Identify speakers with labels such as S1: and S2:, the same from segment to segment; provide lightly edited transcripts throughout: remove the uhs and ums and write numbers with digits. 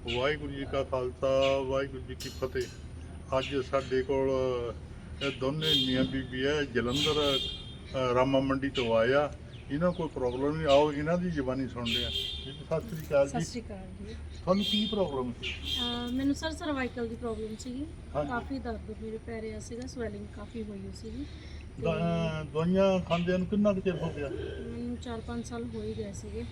S1: ਵਾਹਿਗੁਰੂ ਜੀ ਕਾ ਖਾਲਸਾ ਵਾਹਿਗੁਰੂ ਜੀ ਕੀ ਫਤਿਹ। ਅੱਜ ਸਾਡੇ ਕੋਲ ਇਹ ਦੋਨੇ ਮੀਆਂ ਬੀਬੀ ਹੈ, ਜਲੰਧਰ ਰਾਮਾ ਮੰਡੀ ਤੋਂ ਆਇਆ। ਇਹਨਾਂ ਕੋਈ ਪ੍ਰੋਬਲਮ ਨਹੀਂ, ਆਓ ਇਹਨਾਂ ਦੀ ਜ਼ਬਾਨੀ ਸੁਣਦੇ ਆ। ਜੀ ਸਤਿ ਸ੍ਰੀ ਅਕਾਲ
S2: ਸਤਿ
S1: ਜੀ।
S2: ਸ਼੍ਰੀ ਅਕਾਲ ਜੀ।
S1: ਤੁਹਾਨੂੰ ਕੀ ਪ੍ਰੋਬਲਮ ਸੀ?
S2: ਮੈਨੂੰ ਸਰ ਸਰਵਾਈਕਲ ਦੀ ਪ੍ਰੋਬਲਮ ਸੀਗੀ।
S1: ਹਾਂਜੀ।
S2: ਕਾਫੀ ਦਰਦ ਮੇਰੇ ਪੈਰੇ ਆ ਸੀਗਾ, ਸਵੈਲਿੰਗ ਕਾਫੀ ਹੋਈ ਹੋਈ ਸੀਗੀ।
S1: ਦਵਾਈਆਂ ਖਾਂਦਿਆਂ ਨੂੰ ਕਿੰਨਾ ਕੁ ਚਿਰ ਹੋ ਗਿਆ?
S2: ਮੈਨੂੰ 4-5 ਸਾਲ ਹੋ ਹੀ ਗਏ ਸੀਗੇ।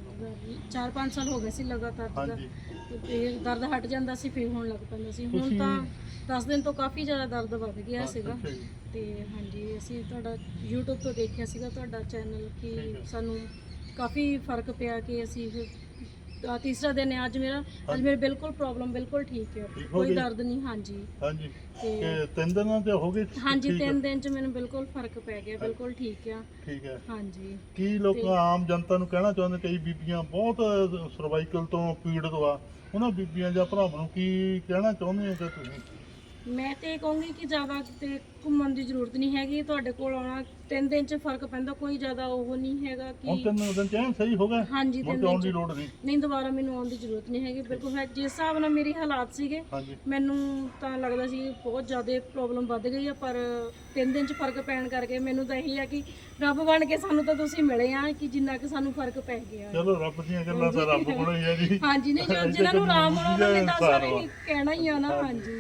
S2: 4-5 ਸਾਲ ਹੋ ਗਏ ਸੀ ਲਗਾਤਾਰ ਦਾ।
S1: ਹਾਂਜੀ।
S2: ਤੇ ਫਿਰ ਦਰਦ ਹਟ ਜਾਂਦਾ ਸੀ, ਫਿਰ ਹੋਣ ਲੱਗ ਪੈਂਦਾ ਸੀ। ਹੁਣ
S1: ਤੁਸੀਂ-
S2: ਤਾਂ 10 ਦਿਨ ਤੋਂ ਕਾਫੀ ਜ਼ਿਆਦਾ ਦਰਦ ਵੱਧ ਗਿਆ ਸੀਗਾ।
S1: ਅੱਛਾ ਜੀ।
S2: ਤੇ ਹਾਂਜੀ, ਅਸੀਂ ਤੁਹਾਡਾ YouTube ਤੋਂ ਦੇਖਿਆ ਸੀਗਾ ਤੁਹਾਡਾ ਚੈਨਲ
S1: ਠੀਕ
S2: ਕਿ
S1: ਹੈ।
S2: ਸਾਨੂੰ ਕਾਫੀ ਫਰਕ ਪਿਆ ਕਿ ਅਸੀਂ ਫਿਰ ਤੀਸਰਾ ਦਿਨ ਹੈ ਅੱਜ ਮੇਰਾ। ਅੱਜ
S1: ਹਾਂਜੀ।
S2: ਮੇਰੇ ਬਿਲਕੁਲ ਪ੍ਰੋਬਲਮ ਬਿਲਕੁਲ ਠੀਕ ਹੈ,
S1: ਠੀਕ ਹੋ
S2: ਕੋਈ
S1: ਗਈ?
S2: ਦਰਦ ਨਹੀਂ। ਹਾਂਜੀ
S1: ਹਾਂਜੀ।
S2: ਤੇ
S1: ਕਿ 3 ਦਿਨਾਂ ਤੇ ਹੋ ਗਏ?
S2: ਹਾਂਜੀ,
S1: ਠੀਕ ਹੈ।
S2: 3 ਦਿਨ ਚ ਮੈਨੂੰ ਬਿਲਕੁਲ ਫਰਕ ਪੈ ਗਿਆ, ਬਿਲਕੁਲ ਠੀਕ ਆ।
S1: ਠੀਕ ਹੈ।
S2: ਹਾਂਜੀ।
S1: ਕੀ ਲੋਕਾਂ ਆਮ ਜਨਤਾ ਨੂੰ ਕਹਿਣਾ ਚਾਹੁੰਦੇ? ਕਈ ਬੀਬੀਆਂ ਬਹੁਤ ਸਰਵਾਈਕਲ ਤੋਂ ਪੀੜਤ ਆ, ਉਹਨਾਂ ਬੀਬੀਆਂ ਜਾਂ ਭਰਾਵਾਂ ਨੂੰ ਕੀ ਕਹਿਣਾ ਚਾਹੁੰਦੇ ਹੋ ਕਿ ਤੁਸੀਂ?
S2: ਮੈਂ ਤੇ ਇਹ ਕਹੂੰਗੀ ਕਿ ਜ਼ਿਆਦਾ ਕਿਤੇ ਘੁੰਮਣ ਦੀ ਜ਼ਰੂਰਤ ਨਹੀਂ ਹੈਗੀ। ਤੁਹਾਡੇ ਕੋਲ ਆਉਣਾ 3 ਦਿਨ ਚ ਫਰਕ ਪੈਂਦਾ, ਕੋਈ ਜ਼ਿਆਦਾ ਉਹ ਨਹੀਂ ਹੈਗਾ
S1: ਹੁਣ
S2: ਕਿ
S1: 3 ਦਿਨ ਚ ਐਨ ਸਹੀ ਹੋ ਗਿਆ?
S2: ਹਾਂਜੀ,
S1: ਮੁੜ
S2: 3
S1: ਕੇ ਆਉਣ
S2: ਦਿਨ
S1: ਦੀ
S2: ਚ
S1: ਲੋੜ ਨਹੀਂ?
S2: ਨਹੀਂ, ਦੁਬਾਰਾ ਮੈਨੂੰ ਆਉਣ ਦੀ ਜ਼ਰੂਰਤ ਨਹੀਂ ਹੈਗੀ। ਬਿਲਕੁਲ ਮੈਂ ਜਿਸ ਹਿਸਾਬ ਨਾਲ ਮੇਰੇ ਹਾਲਾਤ ਸੀਗੇ,
S1: ਹਾਂਜੀ।
S2: ਮੈਨੂੰ ਤਾਂ ਲੱਗਦਾ ਸੀ ਬਹੁਤ ਜ਼ਿਆਦਾ ਪ੍ਰੋਬਲਮ ਵੱਧ ਗਈ ਆ। ਪਰ 3 ਦਿਨ ਚ ਫਰਕ ਪੈਣ ਕਰਕੇ ਮੈਨੂੰ ਤਾਂ ਇਹੀ ਆ ਕਿ ਰੱਬ ਬਣ ਕੇ ਸਾਨੂੰ ਤਾਂ ਤੁਸੀਂ ਮਿਲੇ ਆ ਕਿ ਜਿੰਨਾ ਕਿ ਸਾਨੂੰ ਫਰਕ ਪੈ ਗਿਆ।
S1: ਚਲੋ ਰੱਬ ਦੀਆਂ ਗੱਲਾਂ ਤਾਂ ਰੱਬ ਕੋਲੋਂ ਹੀ ਆ ਜੀ।
S2: ਹਾਂਜੀ, ਨਹੀਂ ਜੋ ਜਿਹਨਾਂ ਨੂੰ ਆਰਾਮ ਹੋਣਾ ਉਹਨਾਂ ਨੇ ਤਾਂ ਸਾਰੇ ਹੀ ਕਹਿਣਾ ਹੀ ਆ ਨਾ। ਹਾਂਜੀ।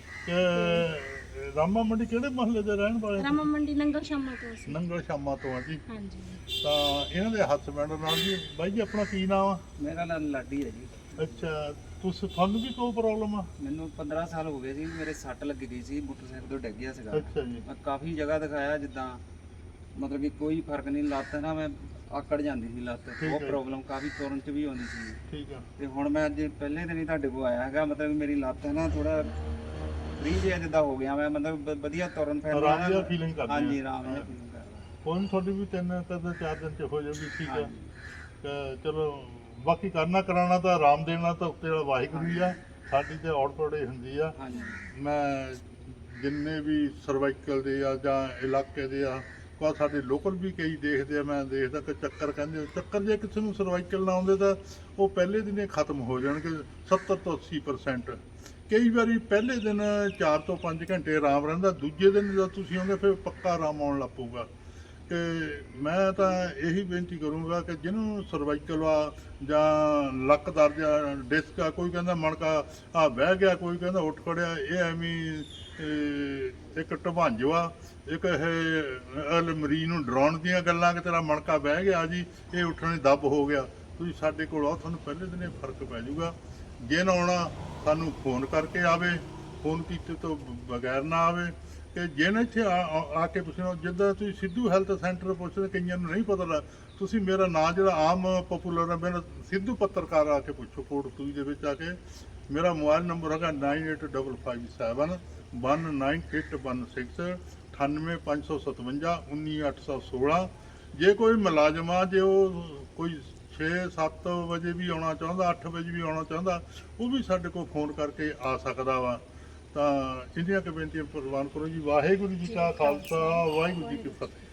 S1: ਕਿ ਰਾਮਾ ਮੰਡੀ ਕਿਹੜੇ ਮਹੱਲੇ ਦੇ ਰਹਿਣ ਵਾਲੇ?
S2: ਰਾਮਾ ਮੰਡੀ ਨੰਗਲ ਸ਼ਾਮਾ ਤੋਂ ਅਸੀਂ।
S1: ਨੰਗਲ ਸ਼ਾਮਾ ਤੋਂ ਆ ਜੀ।
S2: ਹਾਂਜੀ।
S1: ਤਾਂ ਇਹਨਾਂ ਦੇ ਹਸਬੈਂਡ ਨਾਲ ਜੀ। ਬਾਈ ਜੀ ਆਪਣਾ ਕੀ ਨਾਮ ਆ?
S3: ਮੇਰਾ ਨਾਮ ਲਾਡੀ ਹੈ ਜੀ।
S1: ਅੱਛਾ, ਤੁਹਾਨੂੰ ਵੀ ਕੋਈ ਪ੍ਰੋਬਲਮ ਆ?
S3: ਮੈਨੂੰ 15 ਸਾਲ ਹੋ ਗਏ ਸੀ, ਮੇਰੇ ਸੱਟ ਲੱਗ ਗਈ ਸੀ, ਮੋਟਰਸਾਈਕਲ ਤੋਂ ਡਿੱਗ ਗਿਆ ਸੀਗਾ।
S1: ਅੱਛਾ ਜੀ।
S3: ਮੈਂ ਕਾਫੀ ਜਗ੍ਹਾ ਦਿਖਾਇਆ, ਜਿੱਦਾਂ ਮਤਲਬ ਕਿ ਕੋਈ ਫਰਕ ਨਹੀਂ। ਲੱਤ ਨਾ ਮੈਂ ਆਕੜ ਜਾਂਦੀ ਸੀ, ਲੱਤ
S1: ਹੈ।
S3: ਬਹੁਤ ਪ੍ਰੋਬਲਮ, ਕਾਫੀ ਤੁਰਨ ਚ ਵੀ ਆਉਂਦੀ ਸੀ।
S1: ਠੀਕ ਆ।
S3: ਤੇ ਹੁਣ ਮੈਂ ਅੱਜ ਪਹਿਲੇ ਦਿਨ ਹੀ ਤੁਹਾਡੇ ਕੋਲ ਆਇਆ ਹੈਗਾ। ਮਤਲਬ ਮੇਰੀ ਲੱਤ ਹੈ ਨਾ ਥੋੜਾ ਫ੍ਰੀ ਜਿਹਾ ਜਿੱਦਾਂ ਹੋ ਗਿਆ। ਮੈਂ ਮਤਲਬ ਵਧੀਆ ਤੁਰਨ ਫਿਰਨ
S1: ਆਰਾਮ ਜਿਹਾ feeling ਕਰਦੇ
S3: ਹਾਂਜੀ,
S1: ਆ।
S3: ਆਰਾਮ ਜਿਹਾ ਫੀਲਿੰਗ ਕਰਦਾ।
S1: ਕੋਈ ਨੀ, ਤੁਹਾਡੀ ਵੀ 3-4 ਦਿਨ ਚ ਹੋ ਜਾਊਗੀ। ਠੀਕ ਆ।
S3: ਹਾਂਜੀ।
S1: ਤੇ ਚਲੋ, ਬਾਕੀ ਕਰਨਾ ਕਰਾਉਣਾ ਤਾਂ ਆਰਾਮ ਦੇਣਾ ਤਾਂ ਉੱਤੇ ਵਾਲਾ ਵਾਹਿਗੁਰੂ ਹੀ ਆ। ਸਾਡੀ ਤੇ ਔੜਪੜੇ ਹੁੰਦੀ ਆ।
S3: ਹਾਂਜੀ।
S1: ਮੈਂ ਜਿੰਨੇ ਵੀ ਸਰਵਾਈਕਲ ਦੇ ਆ ਜਾਂ ਇਲਾਕੇ ਦੇ ਆ, ਪਰ ਸਾਡੇ ਲੋਕਲ ਵੀ ਕਈ ਦੇਖਦੇ ਆ। ਮੈਂ ਦੇਖਦਾ ਕਿ ਚੱਕਰ ਕਹਿੰਦੇ, ਚੱਕਰ ਜੇ ਕਿਸੇ ਨੂੰ ਸਰਵਾਈਕਲ ਨਾ ਆਉਂਦੇ ਤਾਂ ਉਹ ਪਹਿਲੇ ਦਿਨ ਹੀ ਖਤਮ ਹੋ ਜਾਣਗੇ 70 ਤੋਂ 80%। ਕਈ ਵਾਰੀ ਪਹਿਲੇ ਦਿਨ 4 ਤੋਂ 5 ਘੰਟੇ ਆਰਾਮ ਰਹਿੰਦਾ, ਦੂਜੇ ਦਿਨ ਜਦੋਂ ਤੁਸੀਂ ਆਉਂਗੇ ਫਿਰ ਪੱਕਾ ਆਰਾਮ ਆਉਣ ਲੱਗ ਪਊਗਾ। ਕਿ ਮੈਂ ਤਾਂ ਇਹੀ ਬੇਨਤੀ ਕਰੂੰਗਾ ਕਿ ਜਿਹਨੂੰ ਸਰਵਾਈਕਲ ਆ ਜਾਂ ਲੱਕ ਦਰਦ ਆ, ਡਿਸਕ ਆ, ਕੋਈ ਕਹਿੰਦਾ ਮਣਕਾ ਆ ਬਹਿ ਗਿਆ, ਕੋਈ ਕਹਿੰਦਾ ਉੱਠ ਖੜਿਆ, ਇਹ ਐਵੇਂ ਇੱਕ ਢਵਾਂਜੋ ਆ, ਇੱਕ ਇਹ ਮਰੀਜ਼ ਨੂੰ ਡਰਾਉਣ ਦੀਆਂ ਗੱਲਾਂ ਕਿ ਤੇਰਾ ਮਣਕਾ ਬਹਿ ਗਿਆ ਜੀ, ਇਹ ਉੱਠਣ ਦੀ ਦੱਬ ਹੋ ਗਿਆ। ਤੁਸੀਂ ਸਾਡੇ ਕੋਲ ਆਓ, ਤੁਹਾਨੂੰ ਪਹਿਲੇ ਦਿਨ ਇਹ ਫਰਕ ਪੈ ਜਾਊਗਾ। ਜੇ ਨਾ ਆਉਣਾ ਸਾਨੂੰ ਫੋਨ ਕਰਕੇ ਆਵੇ, ਫੋਨ ਕੀਤੇ ਤੋਂ ਬਗੈਰ ਨਾ ਆਵੇ। ਕਿ ਜੇ ਨਾ ਇੱਥੇ ਆ ਕੇ ਪੁੱਛਣਾ, ਜਿੱਦਾਂ ਤੁਸੀਂ ਸਿੱਧੂ ਹੈਲਥ ਸੈਂਟਰ ਪੁੱਛਦੇ, ਕਈਆਂ ਨੂੰ ਨਹੀਂ ਪਤਾ ਲੱਗ, ਤੁਸੀਂ ਮੇਰਾ ਨਾਂ ਜਿਹੜਾ ਆਮ ਪਪੂਲਰ ਹੈ, ਮੇਰਾ ਸਿੱਧੂ ਪੱਤਰਕਾਰ ਆ ਕੇ ਪੁੱਛੋ ਕੋਟ 2 ਦੇ ਵਿੱਚ ਆ ਕੇ। ਮੇਰਾ ਮੋਬਾਈਲ ਨੰਬਰ ਹੈਗਾ 9855719816 98557 19816। ਜੇ ਕੋਈ ਮੁਲਾਜ਼ਮ ਆ, ਜੇ ਉਹ ਕੋਈ 6-7 ਵਜੇ ਵੀ ਆਉਣਾ ਚਾਹੁੰਦਾ, 8 ਵਜੇ ਵੀ ਆਉਣਾ ਚਾਹੁੰਦਾ, ਉਹ ਵੀ ਸਾਡੇ ਕੋਲ ਫੋਨ ਕਰਕੇ ਆ ਸਕਦਾ ਵਾ। ਤਾਂ ਇੰਨੀਆਂ ਕੁ ਬੇਨਤੀਆਂ ਪ੍ਰਵਾਨ ਕਰੋ ਜੀ। ਵਾਹਿਗੁਰੂ ਜੀ ਕਾ ਖਾਲਸਾ ਵਾਹਿਗੁਰੂ ਜੀ ਕੀ ਫਤਿਹ।